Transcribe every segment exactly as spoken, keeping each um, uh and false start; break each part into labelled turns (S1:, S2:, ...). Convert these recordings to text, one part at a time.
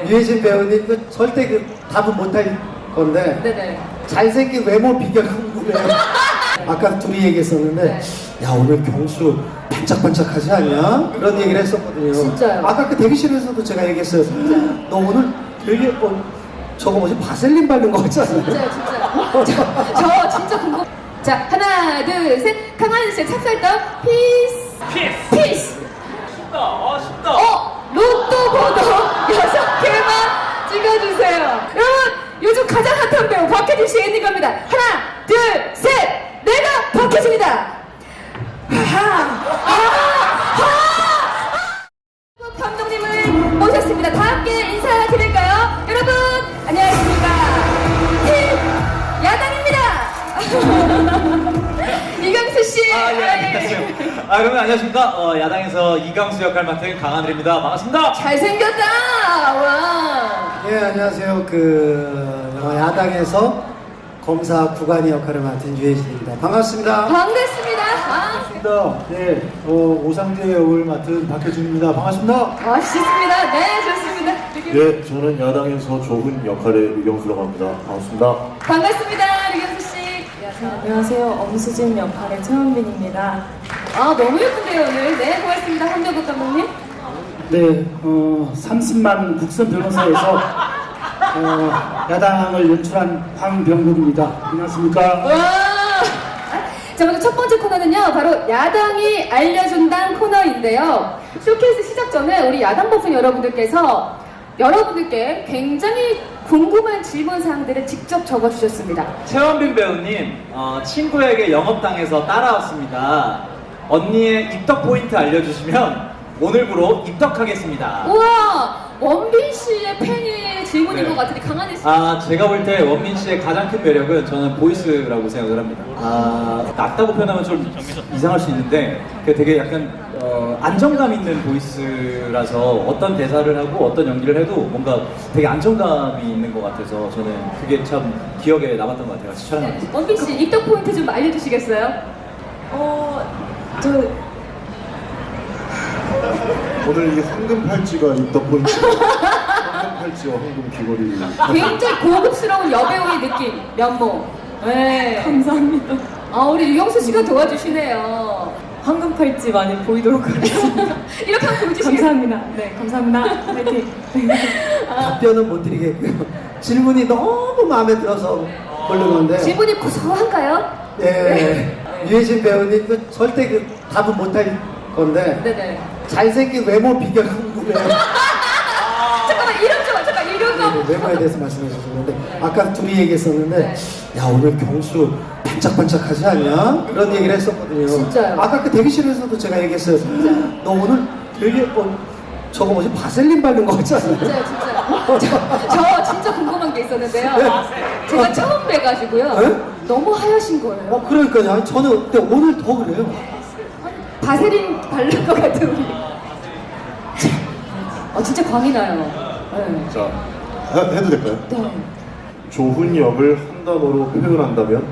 S1: 유해진 배우님 그 절대 그 답은 못할 건데
S2: 네네.
S1: 잘생긴 외모 비결 궁금해요. 아까 둘이 얘기했었는데
S2: 네.
S1: 야 오늘 경수 반짝반짝하지 않냐? 그런 얘기를 했었거든요.
S2: 진짜요?
S1: 아까 그 대기실에서도 제가 얘기했어요. 너 오늘 되게 어, 저거 뭐지 바셀린 바른 거 같지 않아요?
S2: 진짜요, 진짜. 저, 저 진짜 궁금. 자, 하나, 둘, 셋. 강한 씨의 찹쌀떡 피스.
S3: 피스!
S2: 피스.
S3: 쉽다, 아, 쉽다.
S2: 어, 로또 번호 여섯 개만 찍어주세요. 여러분, 요즘 가장 핫한 배우 박해준 씨 엔딩 갑니다. 하나, 둘, 셋. 내가 박해준이다. 하하. 하하. 감독님을 모셨습니다. 다 함께 인사드릴까요? 여러분, 안녕하십니까. 팀 야당입니다. 이강수 씨.
S3: 아, 예, 안녕하세요. 아, 그러면 안녕하십니까. 어, 야당에서 이강수 역할 맡은 강하늘입니다. 반갑습니다.
S2: 잘생겼다. 와.
S1: 예 안녕하세요. 그 영화 야당에서 검사 구간이 역할을 맡은 유해진입니다. 반갑습니다.
S2: 반갑습니다. 아,
S1: 반갑습니다. 네, 어, 오상재 역을 맡은 박혜준입니다. 반갑습니다.
S2: 멋있습니다. 네, 좋습니다.
S4: 예, 저는 야당에서 조훈 역할의 류경수라고 합니다. 반갑습니다.
S2: 반갑습니다. 류경수 씨.
S5: 안녕하세요. 엄수진 역할의 최원빈입니다.
S2: 아, 너무 예쁜데요, 오늘. 네, 고맙습니다. 한정국 감독님.
S6: 네, 어, 삼십만 국선 변호사에서 어, 야당을 연출한 황병국입니다. 안녕하십니까?
S2: 와! 자, 먼저 첫 번째 코너는요, 바로 야당이 알려준다는 코너인데요. 쇼케이스 시작 전에 우리 야당 버프 여러분들께서 여러분들께 굉장히 궁금한 질문 사항들을 직접 적어주셨습니다.
S3: 최원빈 배우님, 어, 친구에게 영업당해서 따라왔습니다. 언니의 입덕 포인트 알려주시면 오늘부로 입덕하겠습니다.
S2: 우와! 원빈 씨의 팬의 질문인
S3: 네.
S2: 것 같은데, 강한혜 씨.
S3: 아, 제가 볼 때 원민 씨의 가장 큰 매력은 저는 보이스라고 생각을 합니다. 아, 낮다고 표현하면 좀 이상할 수 있는데, 그 되게 약간 어, 안정감 있는 보이스라서 어떤 대사를 하고 어떤 연기를 해도 뭔가 되게 안정감이 있는 것 같아서 저는 그게 참 기억에 남았던 것 같아요. 같이 촬영하면서.
S2: 원빈 씨, 입덕 포인트 좀 알려주시겠어요?
S5: 어, 저
S4: 오늘 이 황금 팔찌가 입덕 포인트. 황금 팔찌와 황금 귀걸이.
S2: 굉장히 고급스러운 여배우의 느낌, 면모. 네.
S5: 감사합니다.
S2: 아, 우리 유영수 씨가 도와주시네요.
S5: 황금 팔찌 많이 보이도록 하겠습니다.
S2: 이렇게 한번 보여주시겠어요?
S5: 감사합니다. 네, 감사합니다. 화이팅.
S1: 답변은 못 드리겠고요. 질문이 너무 마음에 들어서 고르는데
S2: 질문이 고소한가요?
S1: 예, 유해진 배우님 그 절대 그 답은 못할 건데
S2: 네네.
S1: 잘생긴 외모 비결 궁금해요.
S2: 잠깐만, 이름 좀, 잠깐, 이름 좀.
S1: 외모에 대해서 말씀해 주셨는데 아까 둘이 얘기했었는데 야 오늘 경수 반짝반짝하지 않냐? 그런 얘기를 했었거든요.
S2: 진짜요?
S1: 아까 그 대기실에서도 제가 얘기했어요. 너 오늘 되게 어, 저거 뭐지 바셀린 바른 거 같지 않아요?
S2: 진짜요, 진짜요. 저, 저 진짜 궁금한 게 있었는데요.
S1: 네.
S2: 제가 처음 뵈가지고요.
S1: 네?
S2: 너무 하얘신 거예요.
S1: 어 그러니까요. 아니, 저는 근데 오늘 더 그래요.
S2: 바세린 바른 것 같은 우리. 어, 진짜 광이 나요. 네.
S4: 자, 해, 해도 될까요?
S2: 네.
S4: 조훈 역을 한 단어로 표현한다면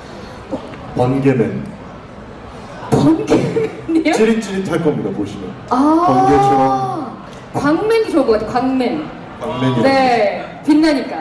S4: 번개맨.
S2: 번개맨이요?
S4: 찌릿찌릿할 겁니다, 보시면.
S2: 아,
S4: 번개처럼.
S2: 광맨이 좋을 것 같아요. 광맨.
S4: 광맨이.
S2: 네, 빛나니까.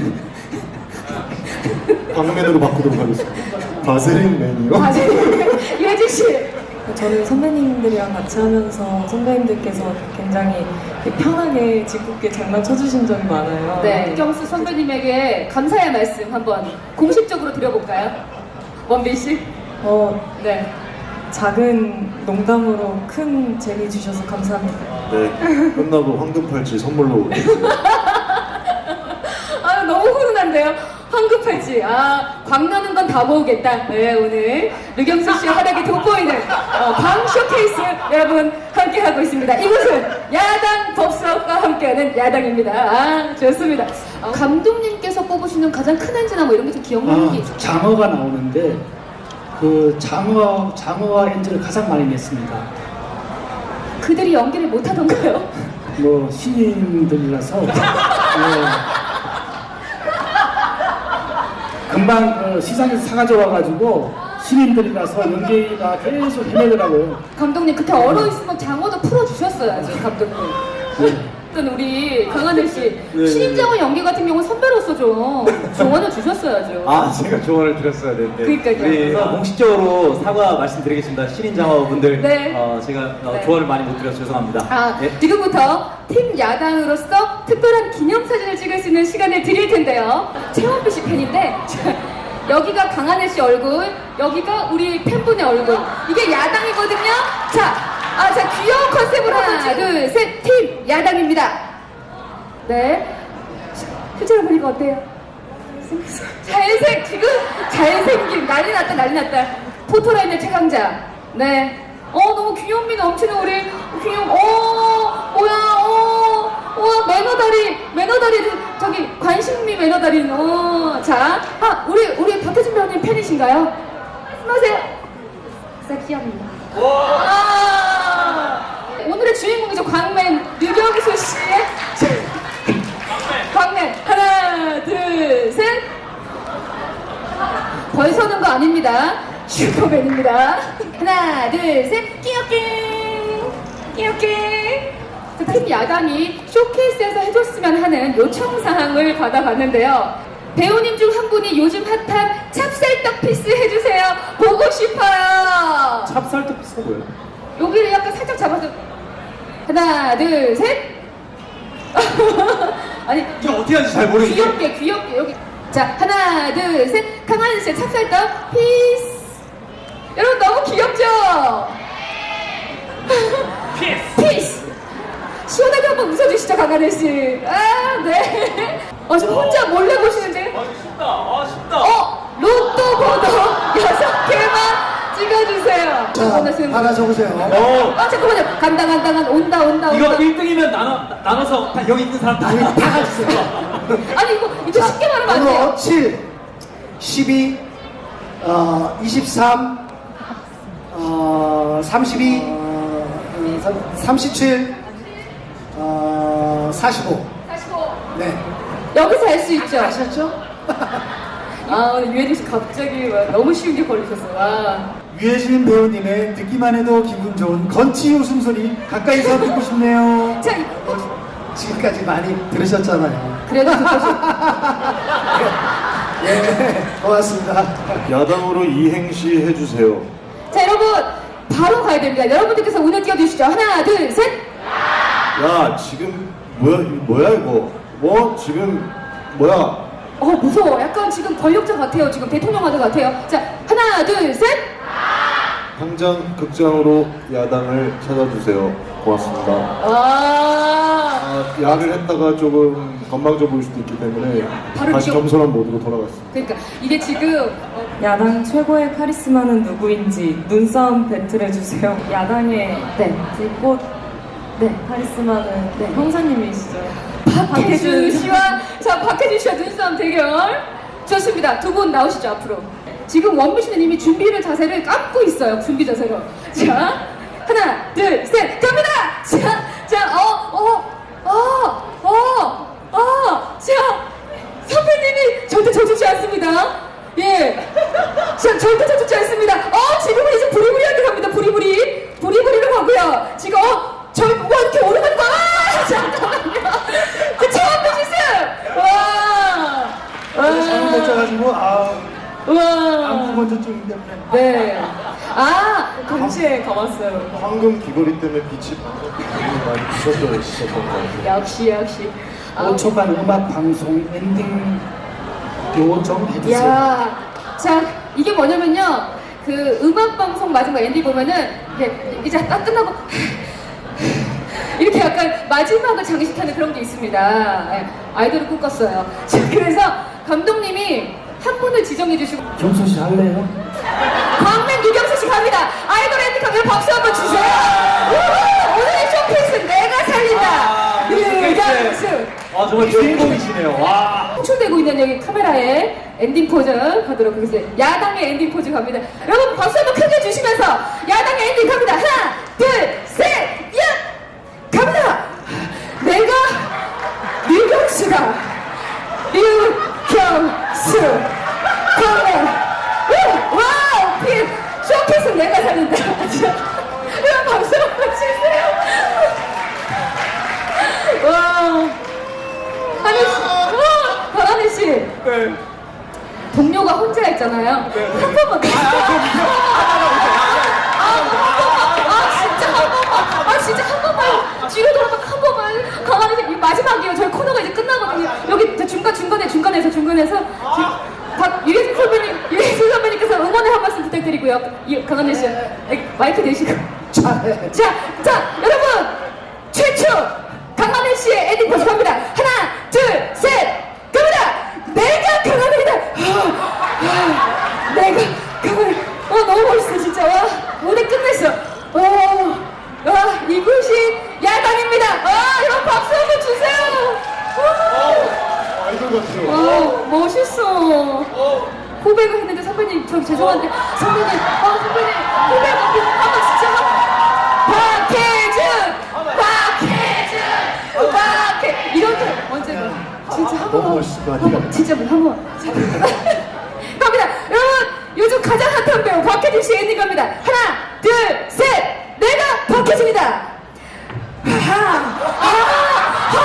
S4: 광맨으로 바꾸도록 하겠습니다. 바세린 맨이요?
S2: 바세린. 유해진 씨.
S5: 저는 선배님들이랑 같이 하면서 선배님들께서 굉장히 편하게 짓궂게 장난쳐주신 적이 많아요.
S2: 네, 경수 선배님에게 감사의 말씀 한번 공식적으로 드려볼까요? 원빈 씨.
S5: 어,
S2: 네.
S5: 작은 농담으로 큰 재미 주셔서 감사합니다.
S4: 네, 끝나고 황금 팔찌 선물로 드리겠습니다.
S2: 아, 너무 훈훈한데요? 황급할지. 아, 광나는 건 다 모으겠다. 네, 오늘 류경수 씨의 활약이 돋보이는 어, 광 쇼케이스 여러분 함께하고 있습니다. 이곳은 야당 법사업과 함께하는 야당입니다. 아, 좋습니다. 어, 감독님께서 뽑으시는 가장 큰 엔진나 뭐 이런 게 좀 기억나는 게
S6: 아,
S2: 있어요?
S6: 장어가 나오는데 그 장어 장어와 엔지를 가장 많이 냈습니다.
S2: 그들이 연기를 못하던가요?
S6: 뭐 신인들이라서 네. 금방 그 시장에서 사가져 와가지고 신인들이라서 연기가 계속 헤매더라고요.
S2: 감독님 그렇게 얼어 있으면 장어도 풀어주셨어야죠, 감독님.
S6: 네.
S2: 또 주셨던 우리 강하늘 씨.
S3: 네.
S2: 신임장원 연기 같은 경우는 선배로서 좀 조언을 주셨어야죠.
S3: 아, 제가 조언을 드렸어야 되는데.
S2: 그러니까요.
S3: 우리 어, 공식적으로 사과 말씀드리겠습니다. 신인장어분들.
S2: 네.
S3: 어, 제가 어,
S2: 네.
S3: 조언을 많이 못 드려서 죄송합니다.
S2: 아,
S3: 예.
S2: 지금부터 팀 야당으로서 특별한 기념사진을 찍을 수 있는 시간을 드릴 텐데요. 최원필 씨 팬인데, 여기가 강하늘 씨 얼굴, 여기가 우리 팬분의 얼굴. 이게 야당이거든요. 자, 아, 자, 귀여운 컨셉으로 하나, 둘, 셋, 팀 야당입니다. 네. 실제로 보니까 어때요? 잘생, 지금 잘생김. 난리 났다, 난리 났다. 포토라인의 최강자. 네. 어, 너무 귀염미 넘치는 우리 귀염, 어, 뭐야, 어, 와, 매너다리, 매너다리, 저기, 관심미 매너다리, 어, 자. 아, 우리, 우리 박혜진 배우님 팬이신가요? 말씀하세요. 섹시합니다. 아, 오늘의 주인공이죠. 광맨, 류경수 씨의. 광맨. 하나, 둘, 셋. 벌 서는 거 아닙니다. 슈퍼맨입니다. 하나, 둘, 셋. 끼역끼. 끼역끼. 팀 야당이 쇼케이스에서 해줬으면 하는 요청사항을 받아봤는데요. 배우님 중 한 분이 요즘 핫한 찹쌀떡 피스 해주세요. 보고 싶어요.
S3: 찹쌀떡 비슷한 거예요?
S2: 여기를 약간 살짝 잡아서. 하나, 둘, 셋. 아니,
S3: 이게 어떻게 하는지 잘 모르겠어요.
S2: 귀엽게, 귀엽게, 여기. 자, 하나, 둘, 셋. 강하늘 씨의 찹쌀떡 피스. 여러분, 너무 귀엽죠? 피스! 피스! 시원하게 한번 웃어주시죠, 강하늘 씨. 아, 네. 어, 지금 혼자 몰래 보시는데?
S3: 아, 쉽다. 아, 쉽다.
S2: 어, 로또 번호 여섯 개만 찍어주세요.
S1: 자,
S2: 보너스.
S1: 하나 적으세요.
S3: 어,
S2: 아, 잠깐만요. 간다, 간다, 간다. 온다, 온다,
S3: 이거
S2: 온다.
S3: 일 등이면 나눠, 나눠서 다 여기 있는 사람 다, 다 가주세요.
S2: 아니, 이거, 이거 쉽게 말하면 안 돼요.
S1: 번호 칠, 십이, 어, 이십삼, 어, 삼십이, 어, 삼- 삼십칠, 어, 사십오.
S2: 사십오.
S1: 네.
S2: 여기서 알 수 있죠?
S1: 아셨죠?
S2: 아, 오늘 유해진 씨 갑자기 와, 너무 쉬운 게 걸리셨어요. 와.
S7: 유해진 배우님의 듣기만 해도 기분 좋은 건치 웃음소리 가까이서 듣고 싶네요.
S2: 자, 이-
S1: 어, 지금까지 많이 들으셨잖아요.
S2: 그래도 듣고 싶
S1: 예, 고맙습니다.
S4: 야당으로 이행시 해주세요.
S2: 자, 여러분, 바로 가야 됩니다. 여러분들께서 운을 띄워주시죠. 하나, 둘, 셋.
S4: 야, 지금 뭐야, 이거 뭐야 이거? 뭐 지금 뭐야?
S2: 어, 무서워. 약간 지금 권력자 같아요. 지금 대통령 하는 것 같아요. 자, 하나, 둘, 셋.
S4: 당장 극장으로 야당을 찾아주세요. 고맙습니다.
S2: 아,
S4: 아, 야를 했다가 조금 건방져 보일 수도 있기 때문에
S2: 바로
S4: 다시
S2: 기억-
S4: 겸손한 모드로 돌아갔습니다.
S2: 그러니까 이게 지금 어,
S5: 야당 최고의 카리스마는 누구인지 눈싸움 배틀해주세요. 야당의
S2: 네.
S5: 불꽃
S2: 네.
S5: 카리스마는 네, 형사님이시죠.
S2: 박혜준 씨와 자 박혜준 씨와 눈싸움 대결 좋습니다. 두 분 나오시죠 앞으로. 지금 원빈 씨는 이미 준비를 자세를 감고 있어요. 준비 자세로. 자 하나 둘 셋 갑니다. 자자어어어어어자 선배님이 절대 져주지 않습니다. 예. 자 절대 져주지 않습니다. 어 지금은 이제 부리부리하게 갑니다. 부리부리 부리부리로 가고요. 지금 어 저, 와, 이렇게 오르는 거야! 아, 잠깐만요. 그 처음 보셨어요? 와!
S7: 잘못 못 짜가지고 아
S2: 와!
S7: 안구 건조증 때문에
S2: 네. 아,
S5: 동시에 가봤어요.
S4: 황금 귀걸이 때문에 빛이 많이 부셨던 있었던 것 같아요.
S2: 역시, 역시. 아,
S6: 오 초간 음악 방송 엔딩 요정 해주세요.
S2: 야, 자, 이게 뭐냐면요. 그 음악방송 마지막 엔딩 보면은, 이게 이제 딱 끝나고, 이렇게 약간 마지막을 장식하는 그런 게 있습니다. 예, 아이돌을 꿈꿨어요. 자, 그래서 감독님이 한 분을 지정해 주시고,
S6: 경수 씨 할래요?
S2: 광맨 유경수 씨 갑니다. 아이돌 엔딩 가면 박수 한번 주세요. 우후! 오늘의 쇼케이스는 내가 살린다.
S3: 아,
S2: 유경수.
S3: 아, 정말 주인공이시네요. 와.
S2: 송출되고 있는 여기 카메라에 엔딩 포즈 가도록 하겠습니다. 야당의 엔딩 포즈 갑니다. 여러분 박수 한번 크게 주시면서 야당의 엔딩 갑니다. 하나, 둘, 셋, 야! 갑니다. 내가 유경수다. 유경수. 광맨. 와우! 피 쇼케이스 내가 살린다. 여러분 박수 한번 주세요. 와. 씨, 권한희 씨.
S3: 네.
S2: 동료가 혼자 있잖아요. 한 번만. 아, 진짜 한 번만. 아, 진짜 한 번만. 뒤로 돌아봐 한 번만. 가만히 있어. 이거 마지막이에요. 저희 코너가 이제 끝나거든요. 여기 저 중간 중간에 중간에서 중간에서 지금 박 유해진 선배님, 유해진 선배님께서 응원의 한 말씀 부탁드리고요. 이 강한혜 씨, 여기 마이크 대시고.
S1: 잘해.
S2: 자, 자, 여러분 최초 강한혜 씨의 엔딩 모습 갑니다. 하나, 둘, 셋, 갑니다. 내가 강한혜이다. 아, 내가 강한혜. 어, 너무 멋있어 진짜. 와, 무대 끝냈어. 와, 와, 이곳이 야당입니다. 와, 여러분 박수 한번 주세요. 와,
S4: 아이돌 같아요.
S2: 와, 멋있어. 고백을 했는데 선배님 저 죄송한데 선배님, 아 선배님 고백 한번 진짜 한 박혜준, 박혜준, 박혜 이렇게 언제 진짜 한
S1: 너무
S2: 번,
S1: 멋있을 것
S2: 한 번, 진짜 한번 갑니다. 여러분 요즘 가장 핫한 배우 박혜준 씨 엔딩 갑니다. 하나, 둘, 셋, 내가 박혜준이다. 하하, 하하,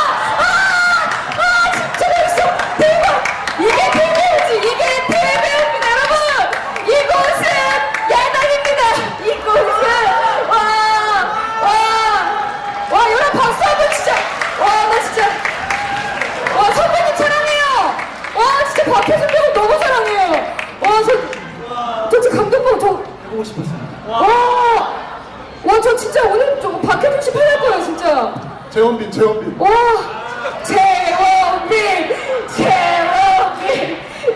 S2: 아, 진짜 멋있어. 대박. 이게 대배우지. 이게 대배우입니다, 여러분. 이곳은 야당입니다. 이곳은 와, 와, 와, 여러분 박수 한번 진짜. 와, 나 진짜. 와, 선배님 사랑해요. 와, 진짜 박혜준 배우 너무 사랑해요. 와, 저, 저 진짜 감동받아. 저
S1: 해보고 싶었습니다.
S2: 와, 와, 저 진짜 오늘 저 박혜준 씨 팬할 거예요, 진짜.
S4: 재원빈, 재원빈.
S2: 와, 재원빈, 재원빈,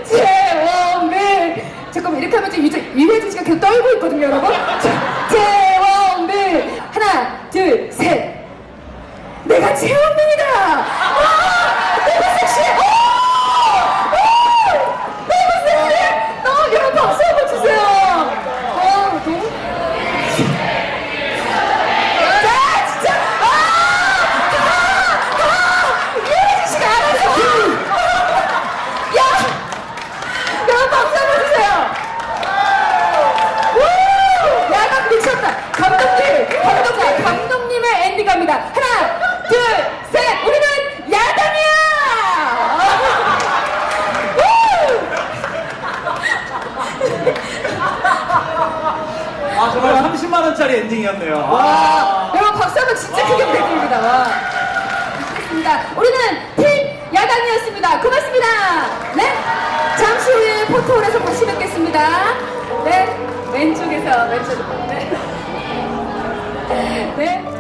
S2: 재원빈. 잠깐만 이렇게 하면 지금 유재- 유해진 씨가 계속 떨고 있거든요, 여러분. 자, 재원빈. 하나, 둘, 셋. 내가 재원빈이다. 와, 너무 섹시해. 오! 오! 너무 섹시해. 너무 여러분 박수 한번 주세요. 와, 너무. 자, 진짜. 유해진 씨가 알아서. 야! 여러분 박수 한번 주세요. 우! 야간 미쳤다. 감독님, 감독님, 감독님의 엔딩 갑니다. 하나, 둘, 셋. 우리는 야당이야.
S3: 아 정말 삼십만 원짜리 엔딩이었네요.
S2: 와, 여러분 박수 한번 진짜 크게 부탁드립니다. 와. 좋습니다. 우리는 팀 야당이었습니다. 고맙습니다. 네? 잠시 후에 포토홀에서 다시 뵙겠습니다. 네? 왼쪽에서 왼쪽. 네. 네.